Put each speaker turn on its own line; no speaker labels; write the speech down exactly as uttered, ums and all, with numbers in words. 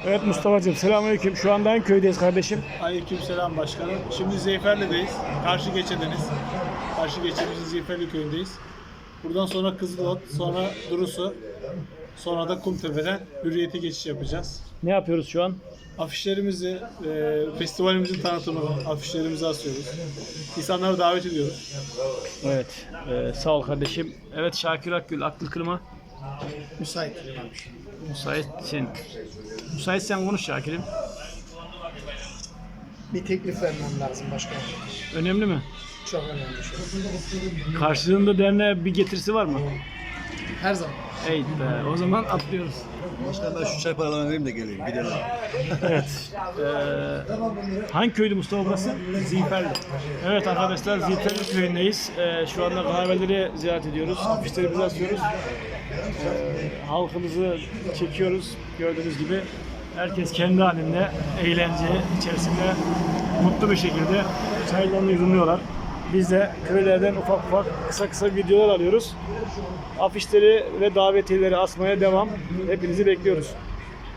Evet Mustafa'cığım selamünaleyküm. Şu anda hangi köydeyiz kardeşim?
Aleykümselam başkanım. Şimdi Zeyferli'deyiz. Karşı geçedeniz. Karşı geçedeniz Zeyferli köyündeyiz. Buradan sonra Kızılot, sonra Durusu, sonra da Kumtepe'den Hürriyet'e geçiş yapacağız.
Ne yapıyoruz şu an?
Afişlerimizi, e, festivalimizin tanıtımını, afişlerimizi asıyoruz. İnsanları davet ediyoruz.
Evet. e, sağ ol kardeşim. Evet Şakir Akgül, aklı kırma.
Müsait.
Müsaitsin. Müsaitsen konuş Şakir'im.
Bir teklif vermem lazım başkanım.
Önemli mi?
Çok önemli şey.
Karşılığında derneğe bir getirisi var mı?
Her zaman.
Evet be. O zaman atlıyoruz.
Başkan ben şu çay paralarını vereyim de geleyim gidelim.
Evet. Ee, hangi köydü Mustafa burası? Zilferli. Evet arkadaşlar Zilferli köyündeyiz. Ee, şu anda kahveleri ziyaret ediyoruz. Afişlerimizi asıyoruz. Ee, halkımızı çekiyoruz. Gördüğünüz gibi herkes kendi halinde eğlence içerisinde mutlu bir şekilde çaylarını yudumluyorlar. Biz de köylerden ufak ufak kısa kısa videolar alıyoruz. Afişleri ve davetiyeleri asmaya devam. Hepinizi bekliyoruz.